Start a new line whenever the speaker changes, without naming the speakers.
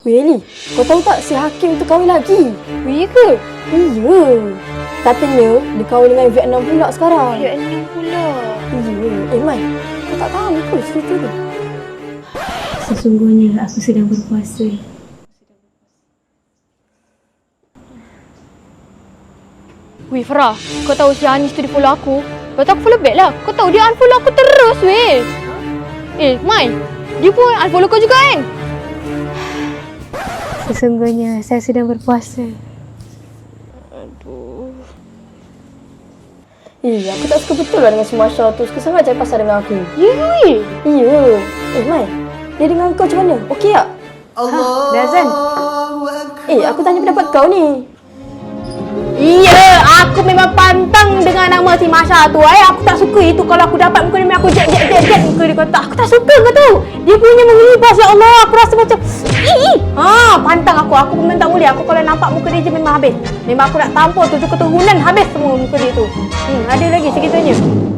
Weh Eli, kau tahu tak si Hakim tu kahwin lagi?
Wih ke?
Iya. Katanya dia kahwin dengan Vietnam pula sekarang.
Vietnam pula.
Iya. Mai, kau tak tahu ke cerita tu?
Sesungguhnya aku sedang berpuasa.
Wih Farah, kau tahu si Anis tu dia follow aku? Lepas tu aku follow back lah. Kau tahu dia unfollow aku terus weh. Mai, dia pun unfollow kau juga kan?
Sesungguhnya saya sedang berpuasa.
Aduh.
Aku tak suka betul lah dengan si Masya tu. Suka sangat cari pasal dengan aku.
Ya weh.
Iya. Mai, dia dengan kau macam mana? Okey tak?
Dah azan?
Aku tanya pendapat kau ni.
Iya, aku memang pantang dengan nama si Masya tu. Aku tak suka itu kalau aku dapat muka dia, aku jet muka dia kata. Aku tak suka kau tahu. Dia punya mengelibas, ya Allah. Aku rasa macam pantang aku. Aku memang tak boleh. Aku kalau nampak muka dia je memang habis. Memang aku nak tampur 7 keturunan habis semua muka dia tu. Ada lagi segitunya.